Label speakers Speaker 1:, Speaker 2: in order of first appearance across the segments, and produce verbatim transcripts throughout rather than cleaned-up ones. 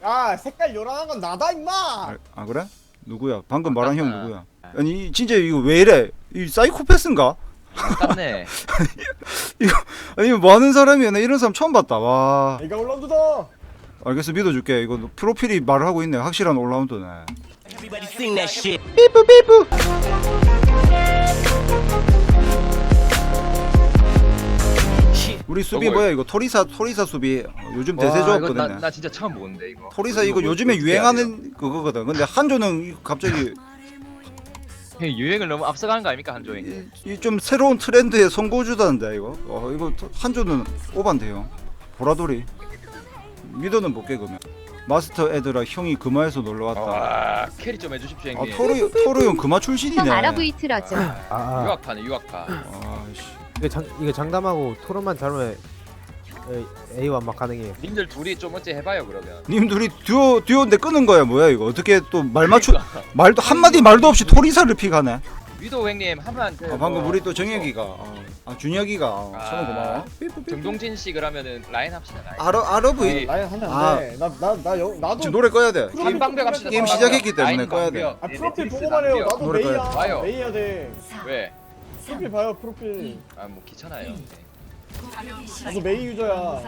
Speaker 1: 야 색깔 요란한 건 나다 임마.
Speaker 2: 아, 아 그래? 누구야? 방금 말한 형 누구야? 아니 진짜 이거 왜 이래? 이 사이코패스인가?
Speaker 3: 아깝네.
Speaker 2: 이거 아니 뭐 하는 사람이야? 나 이런 사람 처음 봤다. 와.
Speaker 1: 내가 올라온다.
Speaker 2: 알겠어 믿어줄게. 이거 프로필이 말을 하고 있네. 확실한 올라운드네.
Speaker 4: Everybody sing that shit.
Speaker 2: 삐뿌 삐뿌. 우리 수비
Speaker 3: 저거-
Speaker 2: 뭐야 이거? 토리사 토리사 수비 어, 요즘
Speaker 3: 와,
Speaker 2: 대세
Speaker 3: 이거
Speaker 2: 좋았거든.
Speaker 3: 나, 나 진짜 처음 보는데 이거.
Speaker 2: 토리사 이거 요즘에
Speaker 3: 어떻게 해야 돼요?
Speaker 2: 유행하는 그거거든. 근데 한조는 이거 갑자기
Speaker 3: 형, 유행을 너무 앞서가는 거 아닙니까 한조이?
Speaker 2: 이 좀 새로운 트렌드에 선고주다는데 이거. 어 이거 한조는 오반데요. 보라돌이. 미더는 못 깨그면. 마스터 애들아 형이 금화에서 놀러 왔다.
Speaker 3: 와 캐리 좀 해주십시오
Speaker 2: 아
Speaker 3: 형님.
Speaker 2: 토르 토르 형 금화 출신이네.
Speaker 5: 형 아랍의 틀어줘.
Speaker 6: 아, 아.
Speaker 3: 유학파네 유학파.
Speaker 2: 아씨.
Speaker 6: 이거 장 이거 장담하고 토론만 잘하면 A 완막 가능해요.
Speaker 3: 님들 둘이 좀 어째 해봐요 그러면.
Speaker 2: 님 둘이 듀오 듀오인데 끄는 거야 뭐야 이거? 어떻게 또 말 맞추
Speaker 3: 그러니까.
Speaker 2: 말도 한 마디 말도 없이 토리사를 픽하네.
Speaker 3: 위도 형님 하면 그
Speaker 2: 아, 방금
Speaker 3: 뭐,
Speaker 2: 우리 또 정혁이가 어, 아 준혁이가 어,
Speaker 3: 아,
Speaker 2: 성우 고마워.
Speaker 3: 정동진 씨 그러면은 라인 합시다 라인.
Speaker 2: 아러 아러브
Speaker 3: 네.
Speaker 1: 라인 하면
Speaker 2: 아.
Speaker 1: 안 돼. 나나나 나도
Speaker 2: 지금 노래 꺼야 돼.
Speaker 3: 게임 방벽 합시다.
Speaker 2: 게임
Speaker 3: 방벽.
Speaker 2: 시작했기 때문에
Speaker 3: 라인
Speaker 2: 꺼야 돼.
Speaker 3: 방벽.
Speaker 1: 아
Speaker 3: 네,
Speaker 1: 프로필
Speaker 3: 넷플릭스
Speaker 1: 보고 말해요.
Speaker 3: 방벽.
Speaker 1: 나도
Speaker 2: 노래
Speaker 1: 메이야.
Speaker 3: 봐요.
Speaker 1: 메이 해야 돼.
Speaker 3: 왜?
Speaker 1: 프로필 봐요 프로필.
Speaker 3: 아 뭐 귀찮아요. 네.
Speaker 1: 나도 메이 유저야.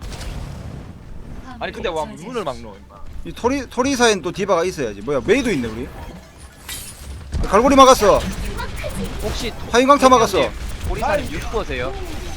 Speaker 3: 아니 근데 와 문을 막노 임마.
Speaker 2: 이 토리 토리사엔 또 디바가 있어야지. 뭐야 메이도 있네 우리. 갈고리 막았어.
Speaker 3: 혹시
Speaker 2: 하인강타 막았어.
Speaker 3: 오리사님 유튜버세요?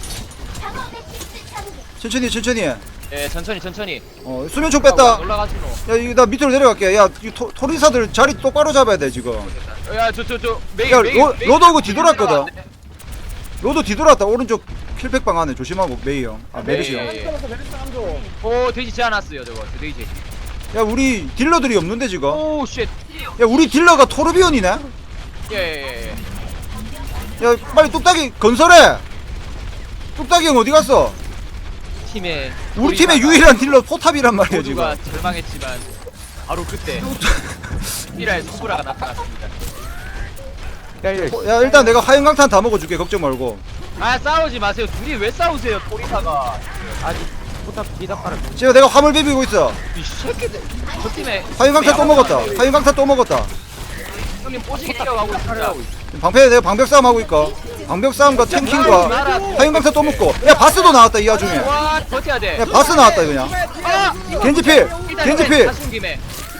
Speaker 2: 천천히 천천히. 해.
Speaker 3: 예 천천히 천천히.
Speaker 2: 어 수면총 뺐다.
Speaker 3: 올라가시노.
Speaker 2: 야 이거 나 밑으로 내려갈게. 야 이 토리사들 자리 똑바로 잡아야 돼 지금.
Speaker 3: 야저 저 저 메이
Speaker 2: 야,
Speaker 3: 메이.
Speaker 2: 로-
Speaker 3: 메이
Speaker 2: 로드 오고
Speaker 3: 메이
Speaker 2: 뒤돌았거든.
Speaker 3: 들어갔네.
Speaker 2: 로드 뒤돌았다. 오른쪽 킬백방 안에 조심하고 메이 형. 아 메르시 형.
Speaker 3: 예, 예.
Speaker 1: 메리스 메리스 한 줘.
Speaker 3: 오 돼지 제안왔어요 저거 저 돼지.
Speaker 2: 야 우리 딜러들이 없는데 지금.
Speaker 3: 오 쉣.
Speaker 2: 야 우리 딜러가 토르비온이네.
Speaker 3: 예예예.
Speaker 2: 야 빨리 뚝딱이 건설해. 뚝딱이 형 어디 갔어?
Speaker 3: 팀의
Speaker 2: 우리 팀의 유일한 딜러 포탑이란 말이야 지금.
Speaker 3: 모두가 절망했지만 바로 그때 미라의 손브라가 나타났습니다.
Speaker 2: 어, 야 일단 내가 하얀강탄 다 먹어줄게 걱정 말고.
Speaker 3: 아 싸우지 마세요. 둘이 왜 싸우세요 토리사가.
Speaker 6: 아직 포탑 기다파를
Speaker 2: 지금 내가 화물 비비고 있어.
Speaker 3: 이 새끼들 저 팀에
Speaker 2: 하얀강탄 또 먹었다. 하얀강탄 또 먹었다.
Speaker 3: 형님 뽀지게 뛰어가고 있습니다.
Speaker 2: 방패 내가 방벽 싸움 하고 있고. 방벽 싸움과 탱킹과 하얀강탄 또 먹고. 야 바스도 나왔다 이 와중에.
Speaker 3: 와 버텨야 돼.
Speaker 2: 야 바스 나왔다 그냥.
Speaker 3: 아!
Speaker 2: 겐지필
Speaker 3: 일단
Speaker 2: 겐지필.
Speaker 3: 다시 온 김에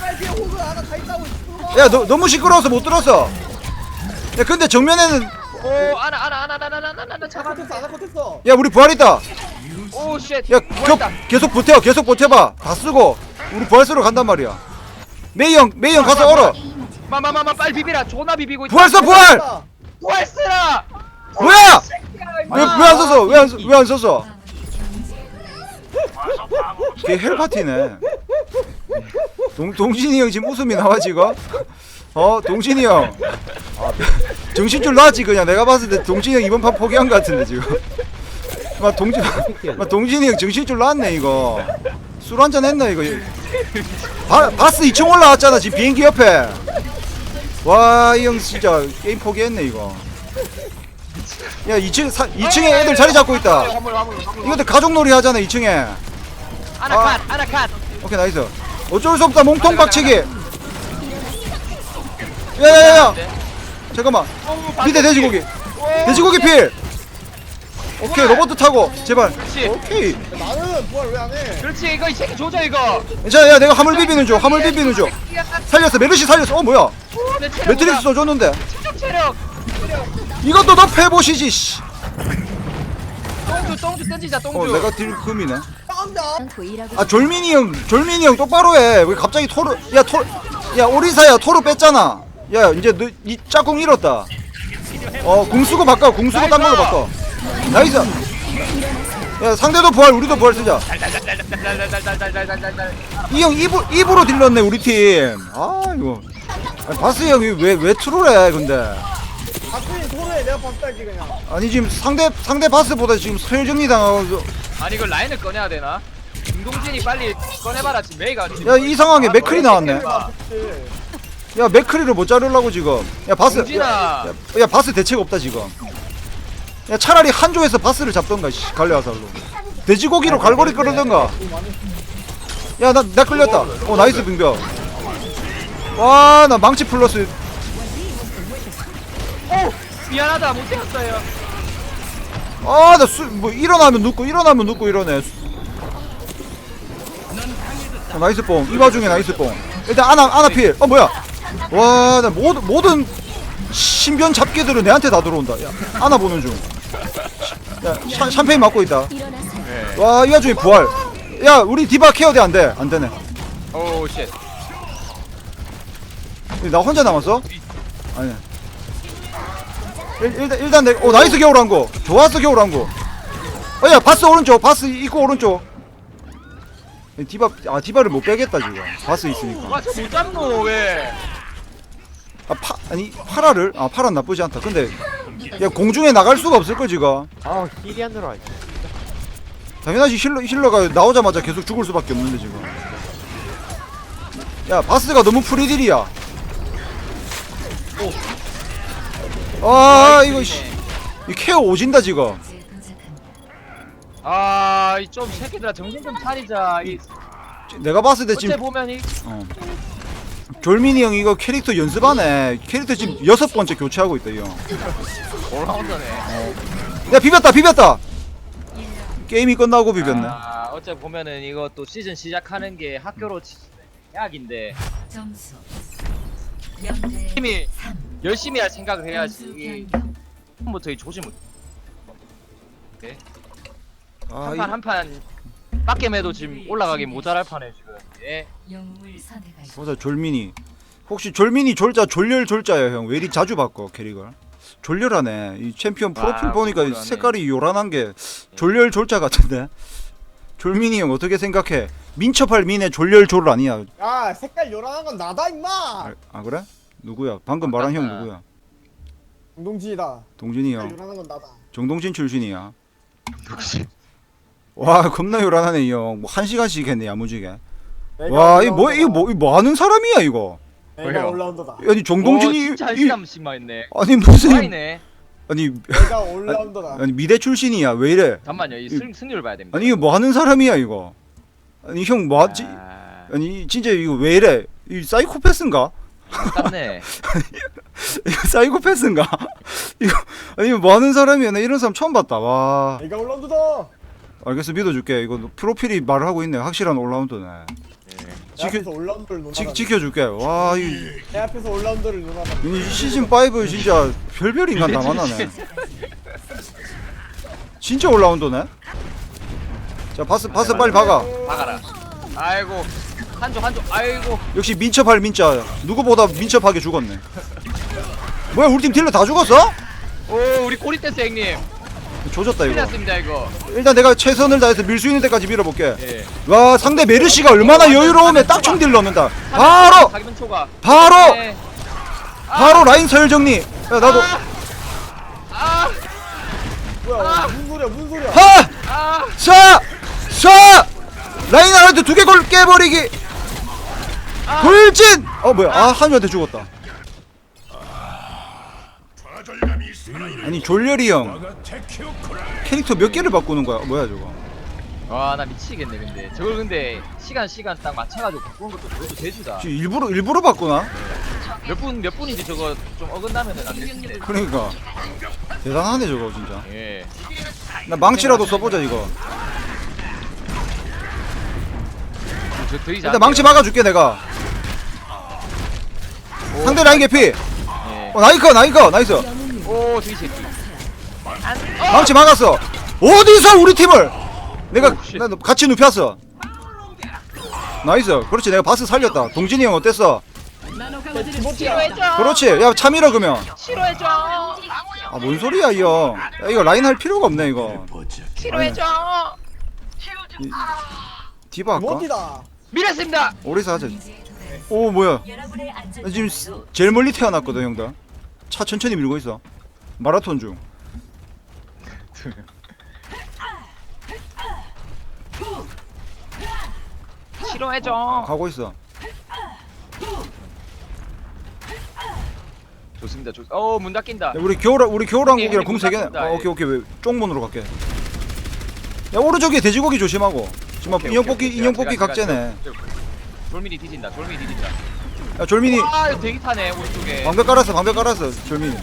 Speaker 2: 야 너 너무 시끄러워서 못 들었어. 야 근데 정면에는
Speaker 3: 오 아나 아나 아나 아나 아나 아나 아나 잡아.
Speaker 1: 아나컷했어 아나컷했어.
Speaker 2: 야 우리 부활 있다.
Speaker 3: 오 쉣.
Speaker 2: 야 겨, 계속 버텨 계속 버텨봐. 다 쓰고 우리 부활 쓰러 간단 말이야. 메이 형 메이 형 가서 얼어.
Speaker 3: 마마마마 빨리 비비라. 존나 비비고 있다.
Speaker 2: 부활 써 부활.
Speaker 3: 부활 쓰라.
Speaker 2: 뭐야? 왜 왜 안 썼어? 왜 안 왜 안 썼어? 걔 헬파티네. 동 동진이 형 지금 웃음이 나와 지금. 어 동진이 형. 정신줄 놨지 그냥 내가 봤을 때 동진이 형 이번 판 포기한 것 같은데 지금. 막 동진 막 동진이 형 정신줄 놨네 이거. 술 한잔 했나 이거. 바, 바스 이 층 올라왔잖아 지금 비행기 옆에. 와 이 형 진짜 게임 포기했네 이거. 야 이 층 이 층에 애들 자리 잡고 있다.
Speaker 3: 화물 화물 화물.
Speaker 2: 이것도 가족놀이 하잖아 이 층에.
Speaker 3: 아나 컷 아나 컷.
Speaker 2: 오케이 나이스. 어쩔 수 없다 몸통 박치기. 야야야야 잠깐만 밑에 돼지고기 돼지고기 필. 오케이 로봇 타고 제발.
Speaker 3: 그렇지.
Speaker 2: 오케이.
Speaker 1: 나는 부활 왜 안 해?
Speaker 3: 그렇지 이거 이 새끼 조져 이거.
Speaker 2: 자 야 내가 화물 비비는 중 화물 비비는 중 살렸어 메르시 살렸어. 어 뭐야 매트릭스 써줬는데
Speaker 3: 체력 체력.
Speaker 2: 이것도 너 패보시지 씨.
Speaker 3: 똥주 똥주 던지자 똥주.
Speaker 2: 어 내가 딜 금이네.
Speaker 5: 보이라고.
Speaker 2: 아 졸민이 형 졸민이 형 똑바로 해왜 갑자기 토르 야토야 오리사야 토르 뺐잖아. 야 이제 너 이 짝꿍 잃었다. 어 궁수고 바꿔 궁수고 딴 걸로 바꿔. 나이스. 야 상대도 부활 우리도 부활 쓰자.
Speaker 3: 달달달달달달달달달달.
Speaker 2: 이 형 입으로 입으로 딜렀네 우리 팀. 아 이거 아니, 바스 형이 왜왜 트롤해 근데.
Speaker 1: 박수인 토르에 내가 박수 할게 그냥.
Speaker 2: 아니 지금 상대 상대 바스보다 지금 서열 정리 당하고.
Speaker 3: 아니 이걸 라인을 꺼내야 되나? 김동진이 빨리 꺼내봐라 지금 메이가 지금.
Speaker 2: 야 이 상황에 맥클이 나왔네.
Speaker 1: 그치.
Speaker 2: 야 맥크리를 못 자르려고 지금. 야 바스
Speaker 3: 동진아.
Speaker 2: 야, 야, 야 바스 대책 없다 지금. 야 차라리 한조에서 바스를 잡던가 씨 갈래화살로. 돼지고기로 갈고리 끓이던가. 야, 나, 나 끌렸다. 어, 나이스 빙벽. 와, 나 망치 플러스.
Speaker 3: 미안하다 못 때렸어요.
Speaker 2: 아, 나 수, 뭐, 일어나면 눕고, 일어나면 눕고 이러네. 어, 나이스 뽕. 이 와중에 나이스 뽕. 일단, 아나, 아나 필. 어, 뭐야. 와, 나 모든, 모든 신변 잡기들은 내한테 다 들어온다. 야, 아나 보는 중. 야, 샴, 샴페인 맞고 있다. 와, 이 와중에 부활. 야, 우리 디바 케어돼, 안 돼. 안 되네.
Speaker 3: 오 쉣.
Speaker 2: 나 혼자 남았어? 아니야. 일, 일단 일단 내, 어 나이스 겨울왕고. 좋았어 겨울왕고. 어야 바스 오른쪽, 바스 입구 오른쪽. 디바 아 디바를 못 빼겠다 지금. 바스 있으니까.
Speaker 3: 아저 못 잡노 왜?
Speaker 2: 아 파 아니 파라를 아 파라 나쁘지 않다. 근데 야 공중에 나갈 수가 없을 거 지금.
Speaker 6: 아 힐이 안 들어와.
Speaker 2: 당연하지 힐러 힐러가 나오자마자 계속 죽을 수밖에 없는데 지금. 야 바스가 너무 프리딜이야. 아 이거 씨, 이 케어 오진다 지금.
Speaker 3: 아이 좀 새끼들아 정신 좀 차리자. 이
Speaker 2: 내가 봤을 때
Speaker 3: 어째
Speaker 2: 지금
Speaker 3: 보면 이
Speaker 2: 어. 졸민이 형 이거 캐릭터 연습하네. 캐릭터 지금 여섯 번째 교체하고 있다 이 형.
Speaker 3: 올라온다네.
Speaker 2: 야 비볐다 비볐다. 게임이 끝나고 비볐네.
Speaker 3: 아 어째 보면은 이거 또 시즌 시작하는 게 학교로 치- 약인데
Speaker 5: 점수
Speaker 3: 팀이 열심히 할 생각을 해야지. 처음부터 이 조짐을
Speaker 2: 아,
Speaker 3: 한판 한판 빡겜해도 지금 올라가기 모자랄 판에 지금. 예.
Speaker 5: 영웅을 선택하시
Speaker 2: 보자 졸민이. 혹시 졸민이 졸자 졸렬 졸자야 형. 왜 이리 자주 바꿔 캐릭을? 졸렬하네. 이 챔피언 프로필
Speaker 3: 와,
Speaker 2: 보니까
Speaker 3: 졸렬하네.
Speaker 2: 색깔이 요란한 게 졸렬 졸자 같은데. 졸민이 형 어떻게 생각해? 민첩할 민의 졸렬 졸 아니야?
Speaker 1: 야 색깔 요란한 건 나다 임마.
Speaker 2: 아, 아 그래? 누구야? 방금 말한 형
Speaker 3: 맞다.
Speaker 2: 누구야?
Speaker 1: 동동진이다.
Speaker 2: 동진이
Speaker 1: 색깔
Speaker 2: 형.
Speaker 1: 요란한 건 나다.
Speaker 2: 정동진 출신이야. 와 겁나 요란하네 이 형. 뭐 한 시간씩 했네 야무지게.
Speaker 1: 내가
Speaker 2: 와 이거 뭐
Speaker 1: 올라운더다.
Speaker 2: 이거 뭐, 이거 뭐 하는 사람이야 이거?
Speaker 1: 내가
Speaker 3: 왜요?
Speaker 1: 올라운더다.
Speaker 2: 아니 정동진이
Speaker 3: 오, 진짜 한
Speaker 2: 이,
Speaker 3: 시간씩만 했네.
Speaker 2: 아니 무슨
Speaker 3: 와이네.
Speaker 2: 아니
Speaker 1: 내가 올라운더다.
Speaker 2: 아니 미대 출신이야 왜 이래?
Speaker 3: 잠만요. 이 승, 승률 봐야 됩니다.
Speaker 2: 아니 이거 뭐 하는 사람이야 이거? 아니 형 뭐 하지?
Speaker 3: 아,
Speaker 2: 아니 진짜 이거 왜 이래? 이 사이코패스인가?
Speaker 3: 땄네.
Speaker 2: 이거 사이코패스인가? 이거 아니 이거 뭐 하는 사람이야? 나 이런 사람 처음 봤다. 와.
Speaker 1: 내가 올라운더다.
Speaker 2: 알겠어 믿어줄게. 이거 프로필이 말을 하고 있네. 확실한 올라운더네.
Speaker 1: 내
Speaker 2: 지켜
Speaker 1: 앞에서 올라운더를 논하다.
Speaker 2: 지, 지켜줄게. 와 이.
Speaker 1: 내 앞에서 올라운더를 논하다.
Speaker 2: 이 시즌 오 진짜 별별 인간 다 만나네. 진짜 올라운더네. 자 바스 바스 빨리 박아.
Speaker 3: 박아라. 아이고 한조 한조. 아이고.
Speaker 2: 역시 민첩할 민자. 누구보다 민첩하게 죽었네. 뭐야 우리 팀 딜러 다 죽었어?
Speaker 3: 오 우리 꼬리 댄스 형님.
Speaker 2: 조졌다 이거.
Speaker 3: 틀렸습니다 이거.
Speaker 2: 일단 내가 최선을 다해서 밀 수 있는 데까지 밀어볼게.
Speaker 3: 예.
Speaker 2: 와 상대 메르시가 얼마나 여유로우면 딱 총 딜 넣는다. 바로
Speaker 3: 가기면 초과.
Speaker 2: 바로
Speaker 3: 네.
Speaker 2: 바로 라인 서열 정리. 야 나도
Speaker 3: 아.
Speaker 1: 뭐야 무슨 소리야 무슨 소리야.
Speaker 2: 하!
Speaker 3: 아.
Speaker 2: 쏴! 쏴! 라인 하나한테 두 개 골 깨버리기. 돌진! 어 뭐야? 아 한주한테 죽었다. 아니 졸렬이 형 캐릭터 몇 개를 바꾸는 거야? 뭐야 저거?
Speaker 3: 와 나 미치겠네 근데 저걸 근데 시간 시간 딱 맞춰가지고 바꾸는 것도 그것도 대주다.
Speaker 2: 지금 일부러 일부러 바꾸나?
Speaker 3: 몇 분 몇 분인지 저거 좀 어긋나면은 안 되는데.
Speaker 2: 그러니까 대단하네 저거 진짜.
Speaker 3: 예.
Speaker 2: 나 망치라도 써보자 이거.
Speaker 3: 저 드리지
Speaker 2: 일단 망치 막아줄게 내가. 상대 라인 개피.
Speaker 3: 예.
Speaker 2: 어 나이커 나이커 나이스.
Speaker 3: 오 드리 새끼.
Speaker 2: 망치 막았어. 어디서 우리 팀을? 내가
Speaker 3: 오, 쉣.
Speaker 2: 나 같이 눕혔어. 나이스. 그렇지 내가 바스 살렸다. 동진이 형 어땠어?
Speaker 3: 치료해줘.
Speaker 2: 그렇지. 야 참이라 그러면.
Speaker 3: 치료해줘.
Speaker 2: 아 뭔 소리야 이 형. 야 이거 라인 할 필요가 없네 이거.
Speaker 3: 치료해줘.
Speaker 2: 이, 디바 할까?
Speaker 1: 못이다.
Speaker 3: 밀었습니다.
Speaker 2: 오리사 하자. 오 뭐야? 나 지금 스- 제일 멀리 태어났거든 형들. 차 천천히 밀고 있어. 마라톤 중.
Speaker 3: 치료해줘.
Speaker 2: 가고 있어.
Speaker 3: 좋습니다. 좋. 어문 닫힌다.
Speaker 2: 야, 우리 겨울 우리 겨울왕국이랑
Speaker 3: 형님,
Speaker 2: 궁 세 개.
Speaker 3: 문 닫힌다,
Speaker 2: 어,
Speaker 3: 예.
Speaker 2: 오케이 오케이 왜 쪽문으로 갈게. 야 오른쪽에 돼지고기 조심하고. 지금
Speaker 3: 오케이,
Speaker 2: 인형
Speaker 3: 오케이,
Speaker 2: 뽑기
Speaker 3: 오케이.
Speaker 2: 인형
Speaker 3: 제가-
Speaker 2: 뽑기
Speaker 3: 제가-
Speaker 2: 각제네.
Speaker 3: 제가- 졸민이 뒤진다. 졸민이 뒤진다.
Speaker 2: 야 졸민이
Speaker 3: 아 이거 대기 타네 오른쪽에.
Speaker 2: 방벽 깔았어 방벽 깔았어 졸민이.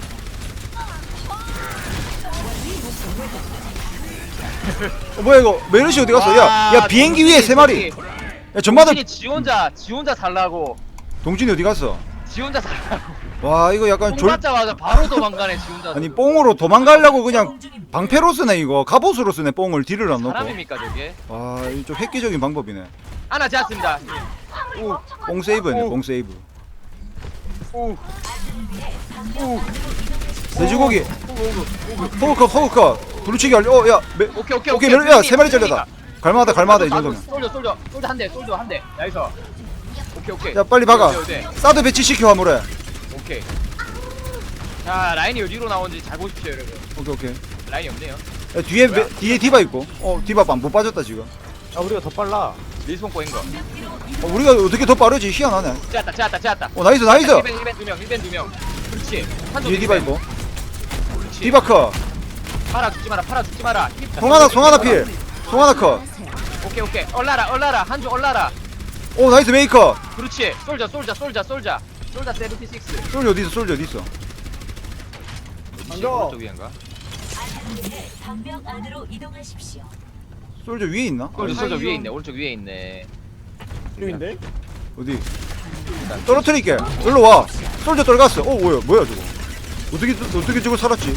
Speaker 2: 어, 뭐야 이거 메르시 어디 갔어? 야, 야 비행기 위에 세 마리. 야 전마들
Speaker 3: 동진이 지 혼자 지 혼자 살라고.
Speaker 2: 동진이 어디 갔어?
Speaker 3: 지 혼자 살라고.
Speaker 2: 와 이거 약간
Speaker 3: 총
Speaker 2: 졸
Speaker 3: 맞자마자 바로 도망가네 지 혼자.
Speaker 2: 아니 뽕으로 도망가려고 그냥 방패로 쓰네 이거 갑옷으로 쓰네 뽕을 딜을 안 넣고.
Speaker 3: 사람입니까 저게?
Speaker 2: 와 이거 좀 획기적인 방법이네.
Speaker 3: 하나 지었습니다. 오,
Speaker 2: 뽕 세이브네
Speaker 3: 오.
Speaker 2: 뽕 세이브.
Speaker 3: 오, 오.
Speaker 2: 돼지고기 호우커 호우커 두루치기 알려. 어야
Speaker 3: 오케이 오케이
Speaker 2: 오케이 메르 야세 마리 잘렸다. 갈만하다 갈만하다 이 정도면.
Speaker 3: 솔져 솔져 솔져 한 대, 솔져 한 대. 나이스. 오케이 오케이.
Speaker 2: 야 빨리 박아.
Speaker 3: 어디, 어디, 어디.
Speaker 2: 사드 배치시켜 화물에.
Speaker 3: 오케이. 자 라인이 어디로 나온지 잘 보십시오 여러분.
Speaker 2: 오케이 오케이.
Speaker 3: 라인이 없네요.
Speaker 2: 야, 뒤에 메, 뒤에 디바 있고. 어 디바 안 못 빠졌다 지금.
Speaker 6: 아 우리가 더 빨라.
Speaker 3: 밀스폰 꼬인 거.
Speaker 2: 어, 우리가 어떻게 더 빠르지 희한하네.
Speaker 3: 째았다 째았다 째았다.
Speaker 2: 어 나이스 나이스.
Speaker 3: 일 벤 일 벤 두 명, 일 벤 두 명. 그렇지. 한쪽
Speaker 2: 뒤에 디바 있고.
Speaker 3: 그렇지.
Speaker 2: 디바 커.
Speaker 3: 팔아 죽지 마라 팔아 죽지 마라. 힙.
Speaker 2: 송하나 송하나 필. 송하나 커.
Speaker 3: 오케이 오케이. 얼라라 얼라라 한쪽 얼라라.
Speaker 2: 오 나이스 메이커.
Speaker 3: 그렇지. 솔져 솔져 솔져 솔져. 솔져 칠십육.
Speaker 2: 솔저 어디 있어 솔저 어디 있어.
Speaker 3: 어디지? 오른쪽 위인가?
Speaker 5: 방벽 안으로 이동하십시오.
Speaker 2: 솔저 위에 있나?
Speaker 3: 솔져
Speaker 2: 아니,
Speaker 3: 솔져 위에 있네. 오른쪽 위에 있네.
Speaker 1: 필요인데?
Speaker 2: 어디? 떨어뜨릴게. 일로 와. 솔저 떨갔어. 어 뭐야 뭐야 저거. 어떻게 어떻게 저걸 살았지?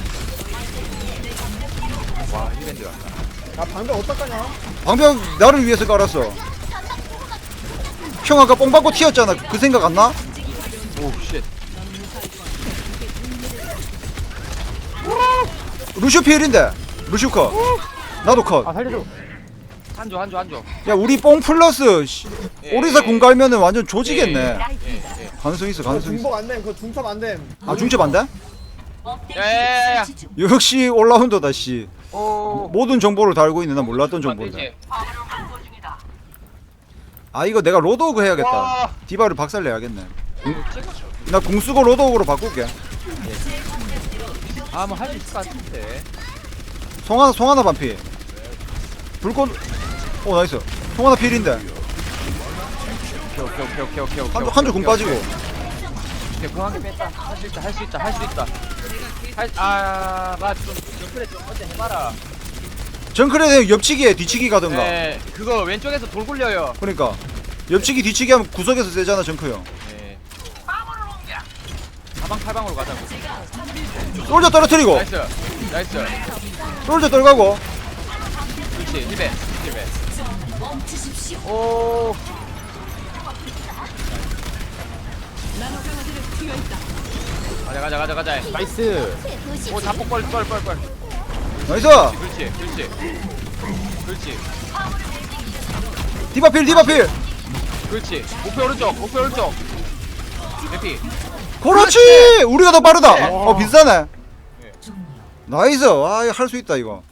Speaker 3: 와 일 벤 들어왔다.
Speaker 1: 야 방벽 어떡하냐?
Speaker 2: 방벽 나를 위해서 깔았어. 형 아까 뽕 받고 튀었잖아. 그 생각 안 나?
Speaker 3: 오 쉣.
Speaker 2: 루슈 필인데. 루슈 컷. 나도 컷.
Speaker 6: 아 살려줘.
Speaker 3: 한조 한조 한조.
Speaker 2: 야 우리 뽕 플러스 씨,
Speaker 3: 예,
Speaker 2: 오리사
Speaker 3: 예.
Speaker 2: 공 갈면은 완전 조지겠네.
Speaker 3: 예, 예.
Speaker 2: 가능성 있어
Speaker 1: 그거
Speaker 2: 가능성 있어.
Speaker 1: 중복 안 됨. 그거 중첩 안 됨.
Speaker 2: 아 중첩 안 돼?
Speaker 3: 야야야야.
Speaker 2: 역시 올라운더다 씨.
Speaker 3: 오.
Speaker 2: 모든 정보를 다 알고 있는 나 몰랐던 정보인데.
Speaker 3: 되지.
Speaker 2: 아 이거 내가 로드오그 해야겠다.
Speaker 3: 와.
Speaker 2: 디바를 박살내야겠네. 나 궁수고 로드오그로 바꿀게.
Speaker 3: 아뭐 할 수 있을 것 같은데.
Speaker 2: 송하나 송하나 반피. 불꽃. 오 나이스. 송하나 필인데.
Speaker 3: 오케이 오케이 오케이 오케이 오케이.
Speaker 2: 한조 한조 궁 빠지고.
Speaker 3: 오케이 공항에 뺐다. 할 수 있다 할 수 있다 할 수 있다. 할아맞좀 옆에 좀 어째 해봐라.
Speaker 2: 정크레 옆치기에 뒤치기 가던가.
Speaker 3: 네 그거 왼쪽에서 돌 굴려요.
Speaker 2: 그러니까 옆치기 뒤치기 하면 구석에서 세잖아 정크 형.
Speaker 3: 네. 사방팔방으로 가자고.
Speaker 2: 솔저 떨어뜨리고.
Speaker 3: 나이스 나이스.
Speaker 2: 솔저 떨가고.
Speaker 3: 그렇지 힐벤 힐벤. 오. 가자 가자 가자 가자.
Speaker 6: 나이스.
Speaker 3: 오 자폭 뻘뻘뻘뻘.
Speaker 2: 나이스.
Speaker 3: 그렇지 그렇지 그렇지
Speaker 2: 디바필 디바필.
Speaker 3: 그렇지. 목표 오른쪽 목표 오른쪽. 대피.
Speaker 2: 그렇지. 우리가 더 빠르다.
Speaker 3: 네.
Speaker 2: 어 비싸네.
Speaker 5: 종료.
Speaker 2: 나이스. 아할 수 있다 이거.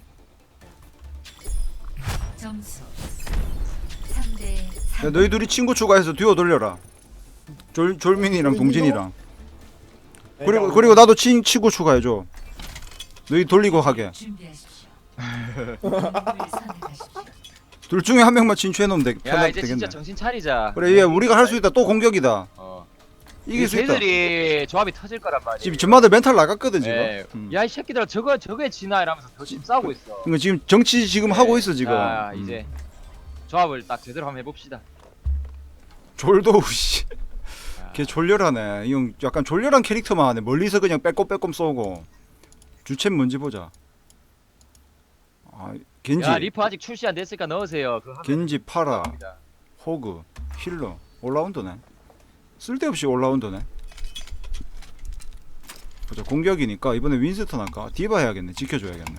Speaker 5: 점수 삼 대
Speaker 2: 야,
Speaker 5: 삼.
Speaker 2: 너희 둘이 친구 추가해서 듀오 돌려라. 졸 졸민이랑 동진이랑. 그리고 그리고 나도 친 친구 추가해줘. 너희 돌리고 하게.
Speaker 5: 준비하십시오. 영웅을 선택하십시오.
Speaker 2: 둘 중에 한 명만 진출해놓으면 되,
Speaker 3: 야
Speaker 2: 편하,
Speaker 3: 이제
Speaker 2: 되겠네.
Speaker 3: 진짜 정신 차리자.
Speaker 2: 그래 얘 우리가 할 수 있다. 또 공격이다.
Speaker 3: 어.
Speaker 2: 이길 수 있다.
Speaker 3: 쟤들이 조합이 터질 거란 말이야.
Speaker 2: 지금 전마들 멘탈 나갔거든 지금.
Speaker 3: 예.
Speaker 2: 음.
Speaker 3: 야이 새끼들아 저거 저거에 지나 이러면서 더 지금 싸우고 있어.
Speaker 2: 이거 지금 정치 지금 하고 있어 지금.
Speaker 3: 자
Speaker 2: 음.
Speaker 3: 이제 조합을 딱 제대로 한번 해봅시다.
Speaker 2: 졸도우 씨.
Speaker 3: 야.
Speaker 2: 걔 졸렬하네. 이 형 약간 졸렬한 캐릭터만 하네. 멀리서 그냥 빼꼼빼꼼 쏘고. 주체는 뭔지 보자. 아 겐지,
Speaker 3: 야 리퍼 아직 출시 안 됐으니까 넣으세요. 그거 하면
Speaker 2: 겐지, 파라,
Speaker 3: 됩니다.
Speaker 2: 호그, 힐러, 올라운더네. 쓸데없이 올라운더네. 보자 공격이니까 이번에 윈스턴 할까? 디바 해야겠네. 지켜줘야겠네.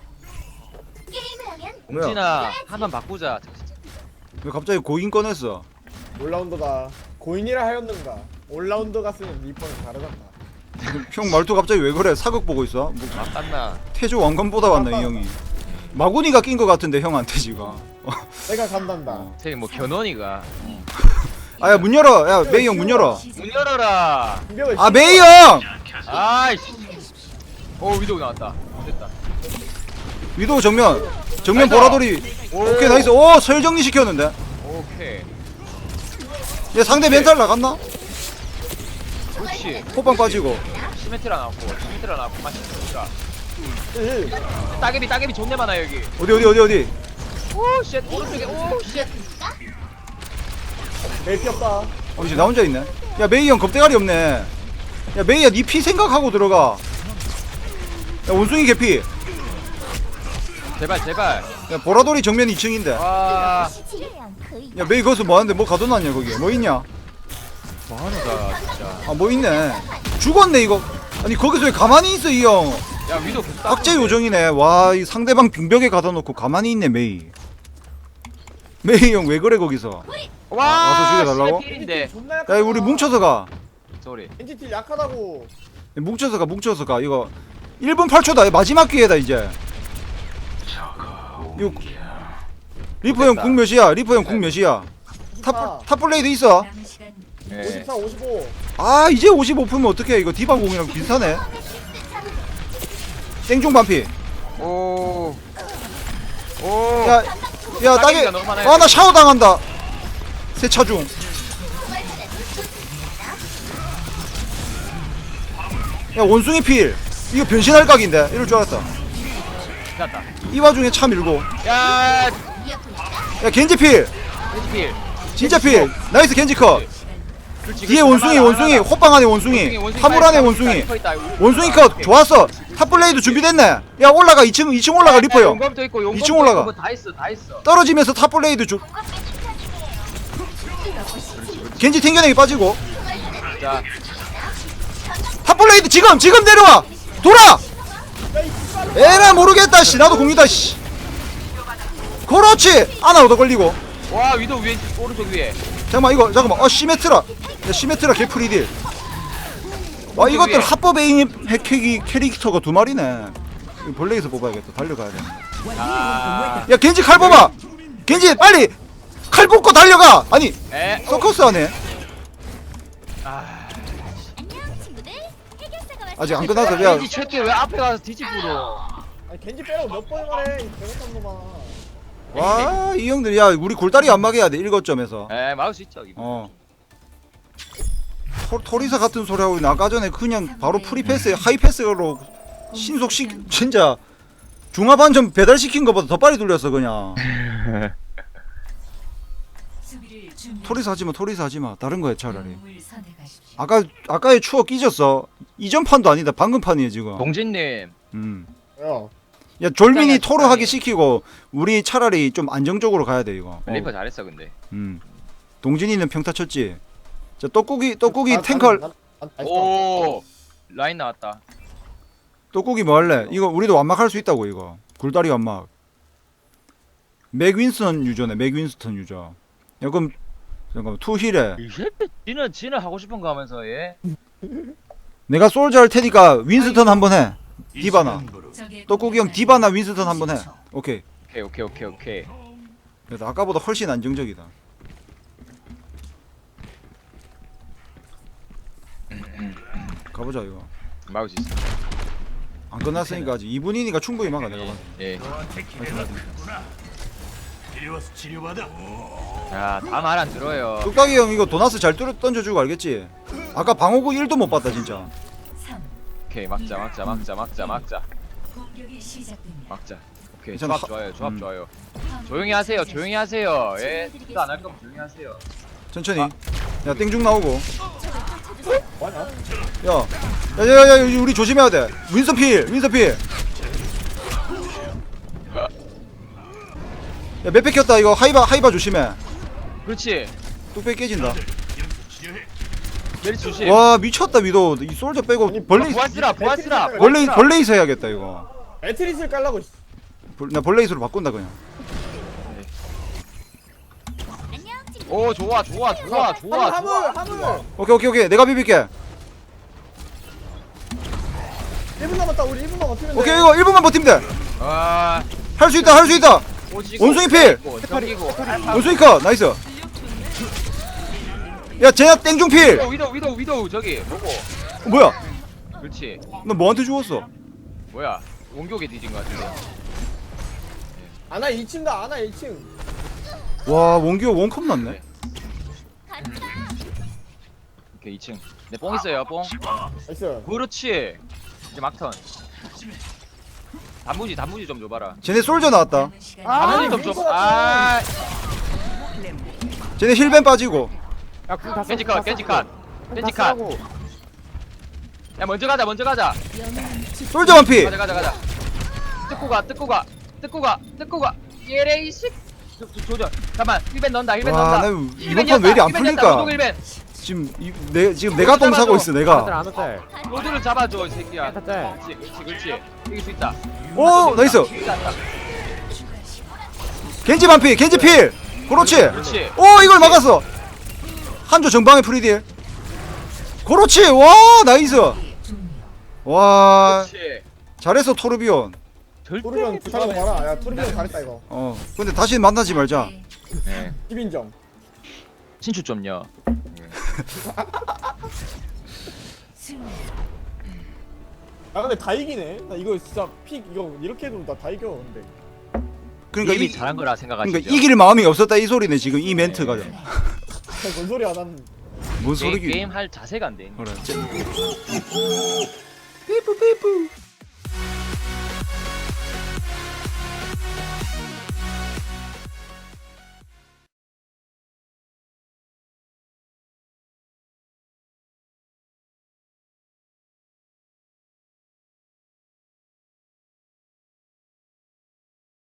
Speaker 2: 뭐야?
Speaker 3: 공진아 한번 바꾸자.
Speaker 2: 왜 갑자기 고인 꺼냈어?
Speaker 1: 올라운더다. 고인이라 하였는가? 올라운더가 쓰는 리퍼는 다르단다.
Speaker 2: 형 말투 갑자기 왜 그래? 사극 보고 있어? 뭐
Speaker 3: 맞갔나?
Speaker 2: 태조 왕건보다 왔네 이 형이. 마구니가 낀 거 같은데 형한테 지금.
Speaker 1: 내가 간단다.
Speaker 3: 저기 뭐 견원이가
Speaker 2: 아야 문 열어. 야 메이 형 문 열어.
Speaker 3: 문 열어라.
Speaker 1: 공격을
Speaker 2: 아 메이 형.
Speaker 3: 아이씨. 오 위도우 나왔다. 됐다.
Speaker 2: 위도 정면 정면
Speaker 3: 나이스.
Speaker 2: 보라돌이. 오케이 나이스. 오 서열정리 시켰는데.
Speaker 3: 오케이.
Speaker 2: 얘 상대 멘탈 나갔나?
Speaker 3: 그렇지.
Speaker 2: 호빵 빠지고.
Speaker 3: 시메트라 나왔고 시메트라 나왔고 맛있으니까.
Speaker 1: 일.
Speaker 3: 따개비 따개비 존내 많아 여기.
Speaker 2: 어디 어디 어디 어디.
Speaker 3: 오쉣 오른쪽에 오쉣.
Speaker 1: 메이 피 없다.
Speaker 2: 어 이제 나 혼자 있네. 야 메이 형 겁대가리 없네. 야 메이야 니 피 생각하고 들어가. 야 원숭이 개피.
Speaker 3: 제발 제발.
Speaker 2: 야 보라돌이 정면 이 층인데.
Speaker 3: 와.
Speaker 2: 야 메이 거기서 뭐하는데 뭐 가둬놨냐 거기. 뭐 있냐.
Speaker 3: 뭐하는가 진짜.
Speaker 2: 아 뭐 있네. 죽었네 이거. 아니 거기서 왜 가만히 있어 이 형.
Speaker 3: 야 위도 계속
Speaker 2: 악재 요정이네. 와 이 상대방 빙벽에 가둬놓고 가만히 있네 메이. 메이 형 왜 그래 거기서.
Speaker 3: 와.
Speaker 2: 와서 죽여달라고?
Speaker 3: 필인데.
Speaker 1: 존나 약하다.
Speaker 2: 야 우리 뭉쳐서 가.
Speaker 3: 쏘리.
Speaker 1: 엔지티 약하다고.
Speaker 2: 뭉쳐서 가 뭉쳐서 가. 이거 일 분 팔 초다 마지막 기회다 이제. 이거 리퍼 형 궁 몇이야? 리퍼 형 궁 몇이야? 탑 탑블레이드 있어?
Speaker 5: 남은 시간
Speaker 3: 예.
Speaker 1: 오십사, 오십오.
Speaker 2: 아 이제 오십오 풀면 어떡해. 이거 디바 공이랑 비슷하네. 땡중 반피.
Speaker 3: 오. 오.
Speaker 2: 야, 야 따개.
Speaker 3: 따개비가 너무 많아요.
Speaker 2: 아 나 샤워 당한다. 세차 중. 야 원숭이 필. 이거 변신할 각인데. 이럴 줄 알았다.
Speaker 3: 났다.
Speaker 2: 이 와중에 차 밀고.
Speaker 3: 야.
Speaker 2: 야 겐지 필.
Speaker 3: 겐지필.
Speaker 2: 진짜 필. 나이스 겐지 컷.
Speaker 3: 그렇지,
Speaker 2: 뒤에
Speaker 3: 그렇지.
Speaker 2: 원숭이
Speaker 3: 하나,
Speaker 2: 원숭이
Speaker 3: 하나.
Speaker 2: 호빵 안에 원숭이 화물 안에 원숭이 원숭이 컷 좋았어. 탑블레이드 준비됐네. 야 올라가 이 층 이 층 올라가 리퍼 형.
Speaker 3: 용검도 있고 용검도
Speaker 2: 이층 올라가.
Speaker 3: 있고 다 있어 다 있어.
Speaker 2: 떨어지면서 탑블레이드 주. 겐지 튕겨내기 빠지고.
Speaker 3: 자.
Speaker 2: 탑블레이드 지금 지금 내려와. 돌아. 에라 모르겠다 씨. 나도 공이다 씨. 그렇지. 아나 얻어 걸리고.
Speaker 3: 와 위도 위에 오른쪽 위에.
Speaker 2: 잠깐만 이거 잠깐만. 어 시메트라. 야 시메트라 개프리딜. 와 이것들 합법 에임 핵핵이 캐릭터가 두 마리네. 이거 벌레에서 뽑아야겠다. 달려가야 돼.
Speaker 3: 아.
Speaker 2: 야 겐지 칼 뽑아. 겐지 빨리 칼 뽑고 달려가. 아니
Speaker 3: 에.
Speaker 2: 서커스 하네.
Speaker 3: 아.
Speaker 2: 아직 안 끝났어. 야
Speaker 3: 겐지 최대 왜 앞에 가서 뒤집으로.
Speaker 1: 아니 겐지 빼라고 몇 번을 말해. 이 배고픈 놈아.
Speaker 2: 와 이 형들 야 우리 골다리 안 막아야 돼. 일곱 점에서.
Speaker 3: 에 막을 수 있죠. 이거.
Speaker 2: 어. 토, 토리사 같은 소리 하고 아까 전에 그냥 바로 프리패스 하이패스로 신속식 진짜 중화반점 배달시킨 것보다 더 빨리 돌렸어 그냥.
Speaker 5: 수비를 준비.
Speaker 2: 토리사 하지마 토리사 하지마 다른 거야 차라리.
Speaker 5: 영웅을 선택하십시오.
Speaker 2: 아까 아까의 추억 잊었어. 이전 판도 아니다 방금 판이에요 지금.
Speaker 3: 동진님.
Speaker 2: 음.
Speaker 1: 야.
Speaker 2: 야 졸민이
Speaker 3: 적당히,
Speaker 2: 토로 하기
Speaker 3: 적당히.
Speaker 2: 시키고 우리 차라리 좀 안정적으로 가야 돼 이거. 어.
Speaker 3: 리퍼 잘했어 근데.
Speaker 2: 음. 동진이는 평타 쳤지. 자 떡국이 떡국이
Speaker 1: 난-
Speaker 2: 탱커
Speaker 1: 난- 난- 난- 난-
Speaker 3: 오. 라인 나왔다.
Speaker 2: 떡국이 뭐 할래? 이거 우리도 완막할 수 있다고 이거. 굴다리 완막. 맥윈스턴 유저네. 맥윈스턴 유저. 야 그럼 잠깐만 투힐에
Speaker 3: 이 새끼 지는 지는 하고 싶은 거 하면서 얘.
Speaker 2: 내가 솔저 할 테니까 윈스턴 한번 해. 디바나.
Speaker 5: 적의
Speaker 2: 떡국이 형 디바나 윈스턴 한번 해. 오케이.
Speaker 3: 오케이 오케이 오케이 오케이.
Speaker 2: 그래도 아까보다 훨씬 안정적이다. 가보자 이거.
Speaker 3: 막을 수 있어.
Speaker 2: 안 끝났으니까 아직 이 분이니까 충분히 막아 내가 봐.
Speaker 3: 예.
Speaker 4: 이리 와서 치료받아.
Speaker 3: 야다 말 안 들어요.
Speaker 2: 뚝딱이 형 이거 도나스 잘 뚫어 던져주고 알겠지? 아까 방어구 일도 못 봤다 진짜.
Speaker 5: 삼.
Speaker 3: 오케이 막자 막자 막자 막자 막자
Speaker 5: 공격이 시작됩니다.
Speaker 3: 막자. 오케이
Speaker 2: 괜찮아.
Speaker 3: 조합 좋아요 조합
Speaker 2: 음.
Speaker 3: 좋아요. 조용히 하세요 조용히 하세요. 예. 진짜 안할 거면 조용히 하세요.
Speaker 2: 천천히. 야 땡중 나오고.
Speaker 1: 뭐하냐?
Speaker 2: 야, 야야야 우리 조심해야 돼. 윈서 필, 윈서 필. 야 맵 뺏겼다 이거 하이바 하이바 조심해.
Speaker 3: 그렇지.
Speaker 2: 뚝배기 깨진다.
Speaker 3: 메리 조심.
Speaker 2: 와 미쳤다 위도. 이 솔저 빼고
Speaker 1: 아니,
Speaker 2: 벌레
Speaker 3: 보아스라 보아스라.
Speaker 2: 벌레 벌레이서 해야겠다 이거.
Speaker 1: 매트리스를 깔라고. 씨.
Speaker 2: 벌- 나 벌레이서로 바꾼다 그냥.
Speaker 3: 오 좋아 좋아 좋아 좋아
Speaker 1: 화물,
Speaker 3: 좋아.
Speaker 1: 화물, 화물.
Speaker 2: 오케이 오케이 오케이 내가 비빌게.
Speaker 1: 일 분 남았다. 우리 일 분만 버티면 돼.
Speaker 2: 오케이 이거 일 분만 버티면 돼.
Speaker 3: 아.
Speaker 2: 할 수 있다 할 수 있다.
Speaker 3: 오지고,
Speaker 2: 원숭이 필!
Speaker 3: 오지고, 정기고.
Speaker 2: 원숭이 컷 나이스. 야 쟤야 땡중 필.
Speaker 3: 위도우 위도우 위도우 위도우 저기 뭐고?
Speaker 2: 어, 뭐야?
Speaker 3: 그렇지.
Speaker 2: 너 뭐한테 죽었어?
Speaker 3: 뭐야? 원격에 뒤진 거 같은데.
Speaker 1: 아나 이 층 가. 아나 일 층.
Speaker 2: 와 원규 원컵 났네.
Speaker 3: 오케이 이 층. 내 뽕 있어요 뽕.
Speaker 1: 나이스.
Speaker 3: 그렇지. 이제 막턴. 단무지 단무지 좀 줘봐라.
Speaker 2: 쟤네 솔저 나왔다.
Speaker 5: 남은 시간
Speaker 1: 아,
Speaker 3: 단무지 좀
Speaker 1: 윈서
Speaker 3: 줘. 아
Speaker 2: 쟤네 힐벤 빠지고.
Speaker 6: 야궁다
Speaker 3: 겐지 컷 겐지 컷 겐지 컷. 야 먼저 가자 먼저 가자.
Speaker 2: 솔저 완피.
Speaker 3: 가자 가자 가자. 뜯고 가 뜯고 가 뜯고 가 뜯고 가. 예레이식. 조져. 잠만 힐벤 넣는다 힐벤
Speaker 2: 와,
Speaker 3: 넣는다.
Speaker 2: 나 이번 판 왜 이리 안 풀릴까?
Speaker 3: 로드 힐벤.
Speaker 2: 지금 이, 내 지금 내가 똥 사고 있어
Speaker 6: 아들
Speaker 2: 내가.
Speaker 6: 안 왔대.
Speaker 3: 로드를 잡아줘 이 새끼야.
Speaker 6: 아, 짤.
Speaker 3: 그렇지 그렇지 그렇지. 이길 수 있다.
Speaker 2: 오 나이스.
Speaker 3: 이겼다.
Speaker 2: 겐지 반피 겐지 필. 그렇지.
Speaker 3: 그렇지.
Speaker 2: 오 이걸 막았어. 한조 정방의 프리딜. 그렇지. 와 나이스. 와
Speaker 3: 그렇지.
Speaker 2: 잘했어 토르비온.
Speaker 3: 절대
Speaker 1: 토르비온 부탁하고 봐라. 야 토르비온 잘했다 이거.
Speaker 2: 어 근데 다시 만나지 말자.
Speaker 3: 네.
Speaker 1: 십인정.
Speaker 3: 친추 좀요.
Speaker 5: 승리.
Speaker 1: 아 근데 다 이기네. 나 이거 진짜 픽 이거 이렇게 해도 나 다 이겨 근데.
Speaker 2: 그러니까
Speaker 3: 이미
Speaker 2: 이
Speaker 3: 잘한 거라 생각하시죠.
Speaker 2: 그러니까 이길 마음이 없었다 이 소리네 지금 이 멘트가.
Speaker 1: 뭔 소리야 난.
Speaker 2: 뭔
Speaker 3: 게임,
Speaker 2: 소리기?
Speaker 3: 게임 할 자세가 안 돼.
Speaker 2: 그래. 삐뿌 삐뿌.